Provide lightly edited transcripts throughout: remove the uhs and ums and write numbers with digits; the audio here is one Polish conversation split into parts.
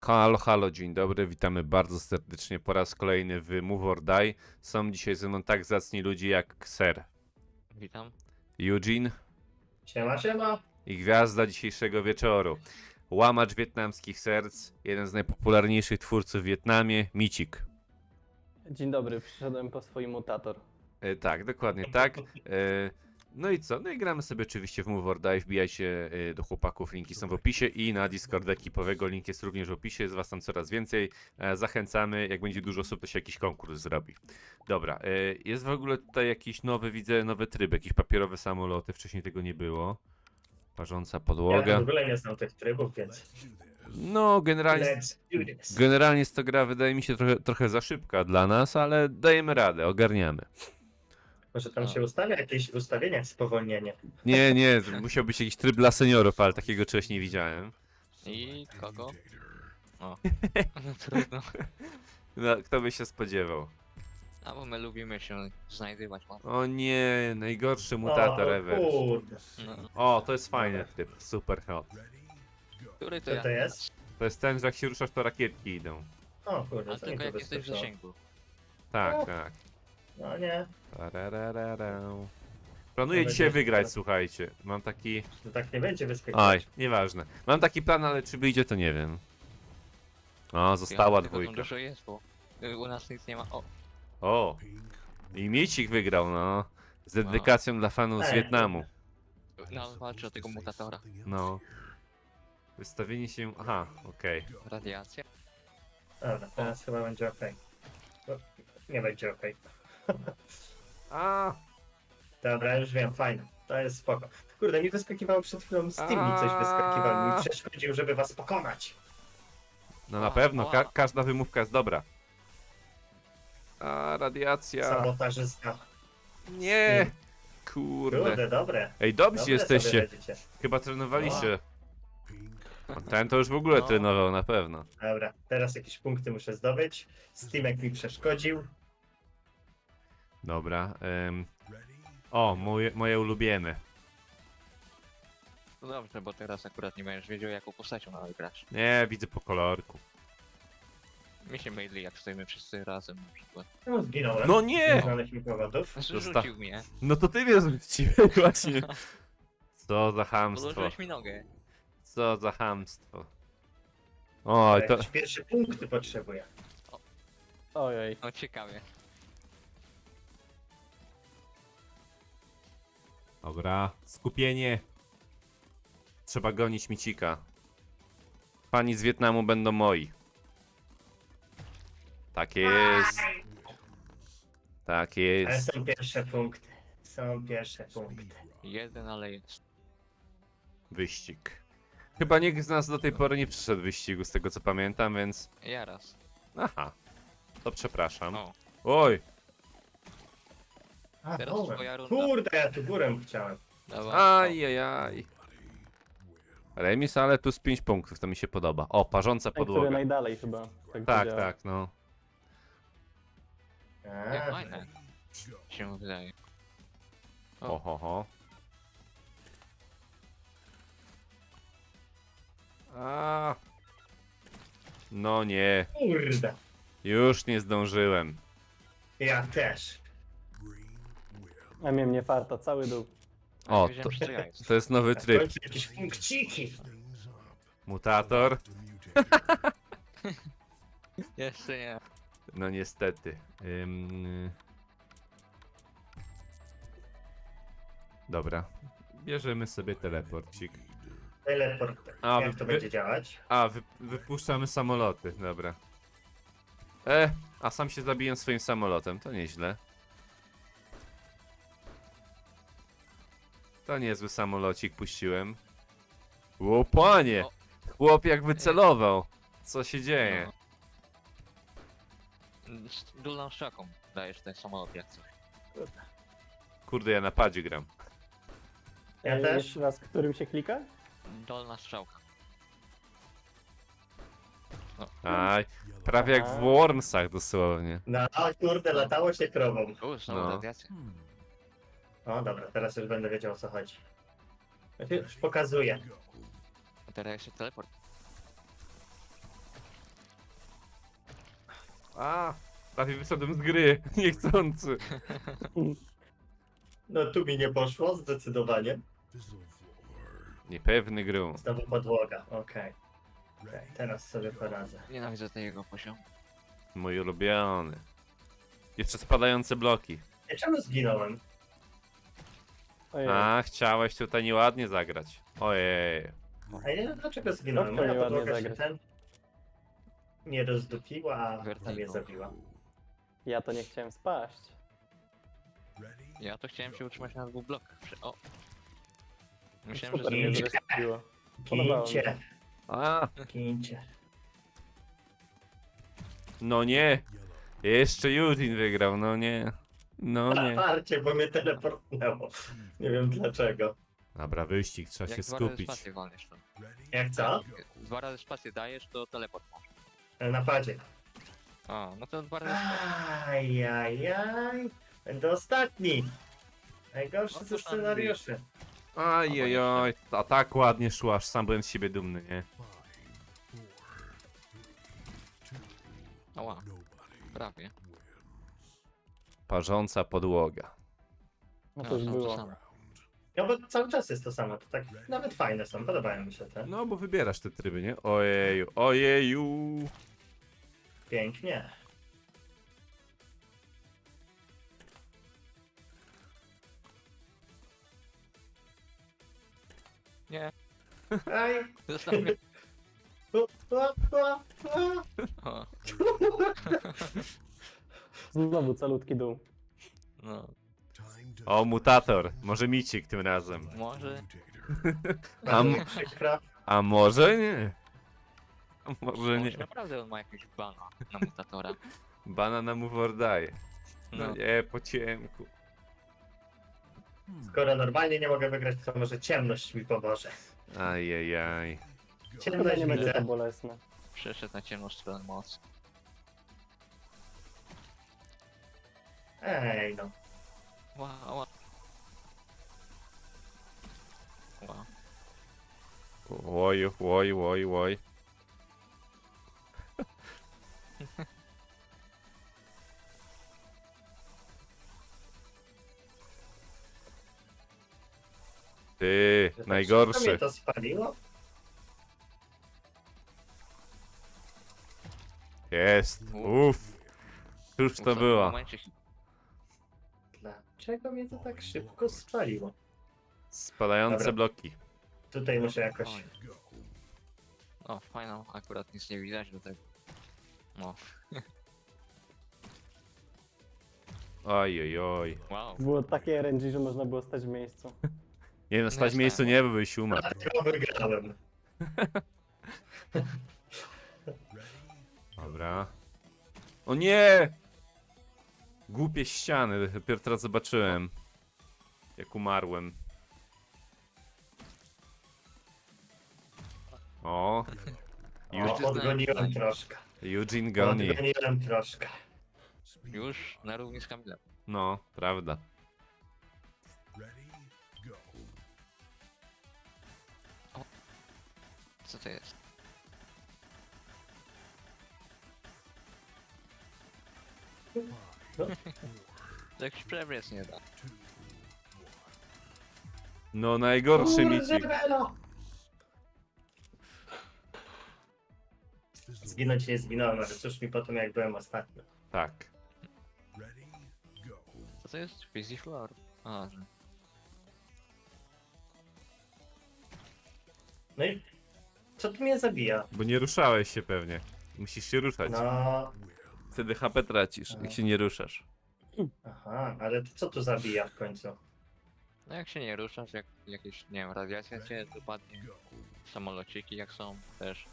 Halo, halo, dzień dobry, witamy bardzo serdecznie po raz kolejny w Move or Die. Są dzisiaj ze mną tak zacni ludzie jak Ser, Witam. Eugene Siema, siema. i gwiazda dzisiejszego wieczoru. Łamacz wietnamskich serc, jeden z najpopularniejszych twórców w Wietnamie, Micik. Dzień dobry, przyszedłem po swój mutator. Tak, dokładnie tak. No i co? No i gramy sobie oczywiście w Move or Die, wbijajcie do chłopaków, linki są w opisie i na Discorda ekipowego link jest również w opisie, jest was tam coraz więcej. Zachęcamy, jak będzie dużo osób, to się jakiś konkurs zrobi. Dobra, jest w ogóle tutaj jakiś nowy, widzę, nowy tryb, jakieś papierowe samoloty, wcześniej tego nie było. Parząca Ja podłoga. w ogóle nie znam tych trybów, więc No, generalnie, let's do this. generalnie jest to gra, wydaje mi się, trochę za szybka dla nas, ale dajemy radę, ogarniamy. Może tam się ustawia jakieś ustawienia spowolnienie. Nie, musiał być jakiś tryb dla seniorów, ale takiego czegoś nie widziałem. I kogo? O. No trudno. No, kto by się spodziewał? A bo my lubimy się znajdywać łatwo. O nie, najgorszy mutator o ever. kurde. No. O, to jest fajny tryb, super hot. Który to Co ja? to jest? To jest ten, że jak się ruszasz, to rakietki idą. O kurde, Ale co mi tylko tu jak jesteś w wyskoczyło? zasięgu. Tak, O. tak. No nie, Tararararau. Planuję Mam dzisiaj nadzieję, że wygrać, tak. słuchajcie. Mam taki... to tak nie będzie Oj, wyskakiwać. nieważne. Mam taki plan, ale czy wyjdzie, to nie wiem. O, została Tylko tam dwójka. dużo jest, bo u nas nic nie ma. O, O, i Micik wygrał, no. Z dedykacją dla fanów z Ej. Wietnamu. no walczy o tego mutatora. No. Wystawienie się... Aha, okej. Radiacja. Dobra, teraz chyba będzie ok. Nie będzie ok. A, Dobra, już wiem, fajnie. To jest spoko. Kurde, mi wyskakiwało przed chwilą Steam, mi coś wyskakiwało. Mi przeszkodził, żeby was pokonać. no na Ła, pewno, ła. każda wymówka jest dobra. A, radiacja. Sabotażysta. Nie! Kurde. Kurde, dobre. Ej, dobrzy Dobre jesteście. sobie radzicie. Chyba trenowaliście. Ten to już w ogóle No. trenował, na pewno. Dobra, teraz jakieś punkty muszę zdobyć. Steamek mi przeszkodził. Dobra. O, moje ulubione. No dobrze, bo teraz akurat nie będziesz wiedział jaką postacią nawet grasz. Nie, widzę po kolorku. Mi się myli jak stoimy wszyscy razem na przykład. No, zginąłem. No nie! Nie znaleźć mi powodów. Rzucił mnie. No to ty mnie zwróciłeś właśnie. Co za chamstwo. Podłożyłeś mi nogę. Co za chamstwo. Oj, to... Jakieś pierwsze punkty potrzebuję. Ojej. No ciekawie. Dobra, skupienie. Trzeba gonić Micika. Pani z Wietnamu będą moi. Tak jest. Tak Ale jest. są pierwsze punkty. Są pierwsze punkty. Jeden, ale jest. Wyścig. Chyba nikt z nas do tej pory nie przyszedł wyścigu, z tego co pamiętam, więc... Ja raz. Aha. To przepraszam. O, Oj. A, Teraz dobra. twoja runda. Kurde, ja tu górę chciałem. dawaj. Ajajaj. Remis, ale plus 5 punktów, to mi się podoba. O, parząca Ten, który podłoga. najdalej chyba. Tak, Tak, działa. tak, no. Jak A, fajne. Się wydaje. Ho, ho, ho. A. No nie, kurde. już nie zdążyłem. Ja też. A miałem nie farta, cały dół. O, Wiedziałem, że to ja jest. to jest nowy W tryb. końcu jakieś punkciki. Mutator. Jeszcze nie. No niestety. Dobra. Bierzemy sobie teleporcik. Teleport. A, Jak to będzie działać? A, wypuszczamy samoloty, dobra. A sam się zabiję swoim samolotem, to nieźle. To niezły samolocik puściłem. Ło, panie! O. Chłop jak wycelował. Co się dzieje? No. Z dolną strzałką dajesz ten samolot jak coś. Kurde, ja na padzie gram. Ja Ej, też. Jeszcze raz, którym się klika? Dolna strzałka. Aj, prawie jak w Wormsach dosłownie. No, kurde, latało się krową. Znowu No. radiacja. O, dobra, teraz już będę wiedział o co chodzi. Już pokazuję. A teraz jeszcze teleport. A, prawie wyszedłem z gry, niechcący. No tu mi nie poszło, zdecydowanie. Niepewny grą. Znowu podłoga, okej. Okej, teraz sobie poradzę. Nienawidzę tego poziomu. Mój ulubiony. Jeszcze spadające bloki. Ja czemu zginąłem? Ojej. A, chciałeś tutaj nieładnie zagrać. Ojej. A ja nie wiem dlaczego zginąłem. Kto Moja mi ładnie podłoga się zagrać? ten... nie rozdupiła, a Vertigo. mnie zabiła. Ja to nie chciałem spaść. Ja to chciałem się utrzymać na 2 blokach. O! Myślałem, że Super mnie zginę. zrespiło. Podobało mi się. Gincie, A, gincie. no nie. Jeszcze Judin wygrał, no nie. No nie. Parcie, bo mnie teleportnęło. Nie wiem dlaczego. Dobra, wyścig, trzeba się jak 2 razy skupić. spację walniesz to. Jak co? 2 razy spację dajesz, to teleport masz. Na padzie. A, no to 2 razy spację. Ajajaj. Będę ostatni. Najgorszy No ze to tam scenariuszy. Ajajaj, a tak ładnie szło, aż sam byłem z siebie dumny, nie? Ała. Prawie. Parząca podłoga. No to już to było. samo. No bo cały czas jest to samo. To tak nawet fajne są. Podobają mi się te. No, bo wybierasz te tryby, nie? Ojeju, ojeju. Pięknie. Nie, Aj. zostaw mnie. U, u. O, Znowu calutki dół. no, O, mutator. Może micik tym razem. może. Bardzo Am- mi przykro. A może nie? A może Może nie. naprawdę on ma jakiegoś bana na mutatora. Banana mu daje. No No, nie, po ciemku. Skoro normalnie nie mogę wygrać, to może ciemność mi pomoże. Ajajaj. Chyba Ciemność nie będzie to widzę. bolesne. przeszedł na ciemną stronę mocy. Ej no. Wow, wow. Wow. Oj, oj, oj, oj. Ty, Co mnie najgorszy. to spaliło? Jest. Uff. Cóż to W było? momencie Dlaczego mnie to tak szybko spaliło? Spadające Dobra. bloki. Tutaj muszę jakoś... Oj. O, fajną, akurat nic nie widać do tego. No, Oj, oj, oj. wow. Było takie RNG, że można było stać w miejscu. Nie no, stać w miejscu nie, bo byś umarł. Dlatego wygrałem. Dobra. O nie! Głupie ściany, dopiero teraz zobaczyłem. Jak umarłem. O, O, Eugene, odgoniłem troszkę. Eugene goni. Odgoniłem troszkę. Już na równi z Kamilem. No, prawda. Co to jest? To jakiś przewrót nie da. No, najgorszy micik. Belo! Zginąć nie zginąłem, ale cóż mi potem jak byłem ostatni. Tak. Co to jest? Fizzy Floor? A, że... No i co tu mnie zabija? Bo nie ruszałeś się pewnie. Musisz się ruszać. No, Wtedy HP tracisz, jak się nie ruszasz. aha, ale to co tu zabija w końcu? No jak się nie ruszasz, jak jakieś, nie wiem, radiacja cię dopadnie. Samolociki jak są też.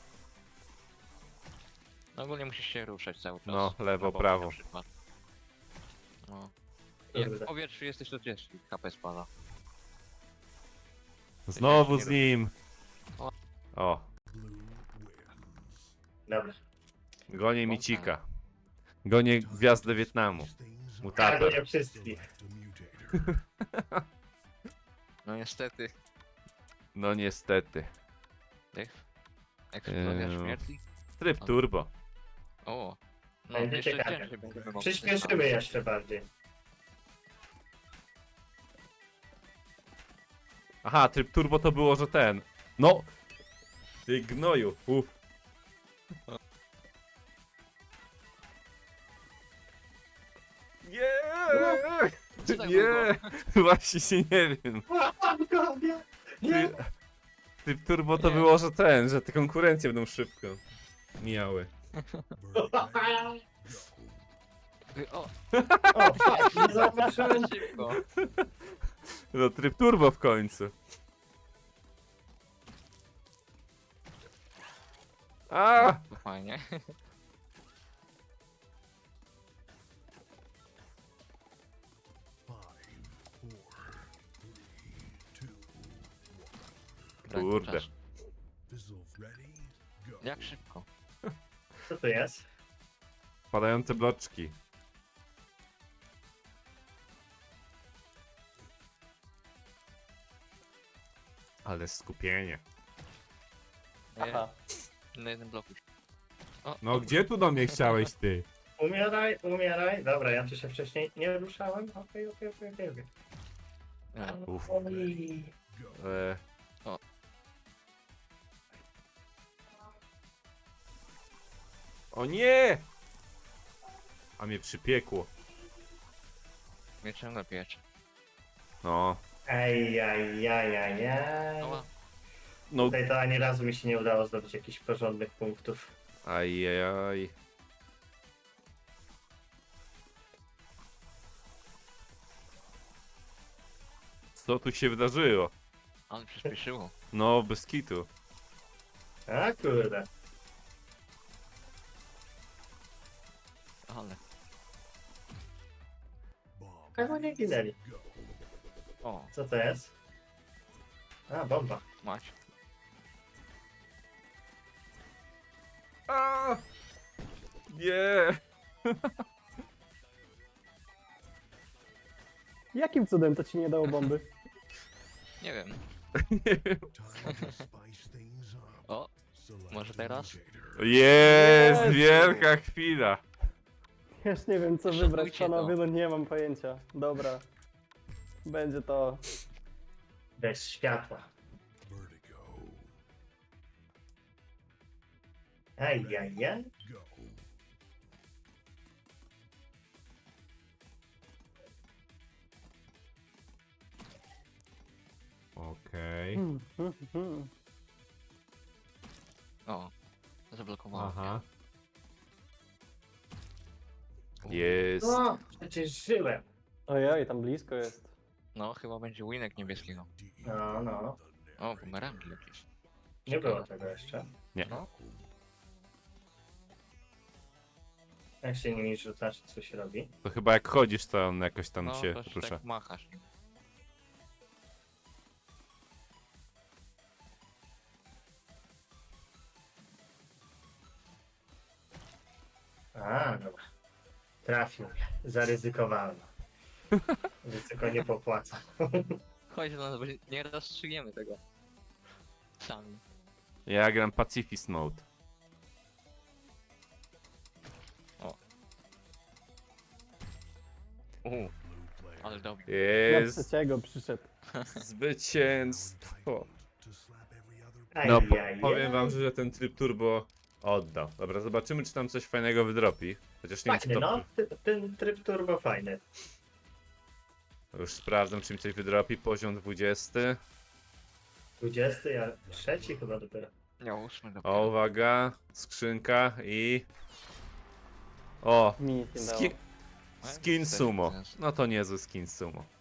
No ogólnie musisz się ruszać cały czas. No, lewo, Na bok prawo. Na przykład. No. I jak w Kurde. powietrzu jesteś, to też HP spada. Znowu z nim. O, Dobra. gonię micika. Gonię gwiazdę Wietnamu. Mutator. Kargo nie wszystkich. No niestety. No niestety. Eksplozja Eee. śmierci? Tryb turbo. O, No, Będzie jeszcze ciekawie. ciężej będziemy mogli Przyspieszymy jeszcze bardziej. Aha, tryb turbo to było, że ten. No! Ty gnoju. Nie! Co tak Nie! Właśnie się nie wiem. Nie. Tryb turbo to Nie. było, że ten, że te konkurencje będą szybko mijały. O, O, fuck, nie zauważyłem. szybko. No tryb turbo w końcu. A! To fajnie. Kurde. Czas. Jak szybko? Co to jest? Padające bloczki. Ale skupienie. Aha. Na jednym bloku. O, No gdzie tu do mnie chciałeś ty? Umieraj, umieraj. Dobra, ja tu się wcześniej nie ruszałem. Okej. ja. Uf. Oj. E... O. O nie! A mnie przypiekło. Mnie ciągle piecze. No. Ej. Ała. No. Tutaj to ani razu mi się nie udało zdobyć jakichś porządnych punktów. Ajajaj. Co tu się wydarzyło? Ale przyspieszyło. No, bez kitu. A kurde. Ale. Chyba nie ginęli. O, Co to jest? A, bomba. mać. A! Nie! Jakim cudem to ci nie dało bomby? Nie wiem. Nie wiem. O, może teraz? Jest Jezu. wielka chwila. Już nie wiem co Szanujcie wybrać, panowie, to. no nie mam pojęcia. Dobra. Będzie to... Bez światła. Ej. Okej. O, zablokowało. Aha. U. Jest. No, przecież żyłem. Ojej, tam blisko jest. No, chyba będzie winek niebieskiego. No. O, bumerangi jakieś. Nie było tego jeszcze. Nie. No, Jak się nimi rzucasz, co się robi? To chyba jak chodzisz, to on jakoś tam no się to rusza. tak machasz. A, dobra. Trafił mnie. Zaryzykowałem. Ryzyko nie popłaca. Chodź do nas, bo nie rozstrzygniemy tego. Sami. Ja gram Pacifist Mode. Ale dobrze. Na Jest trzeciego przyszedł. zwycięstwo. Aj, No, aj, powiem aj. wam, że ten tryb turbo oddał. Dobra, zobaczymy, czy tam coś fajnego wydropi. Chociaż nie wiem, czy Fajny, to... no. Ten tryb turbo fajny. Już sprawdzam, czy mi coś wydropi. Poziom 20. 20, a trzeci chyba dopiero. Nie, 8 O, dopiero. uwaga. Skrzynka i... O! Mi nic nie dało. Skin sumo. No to niezły skin sumo.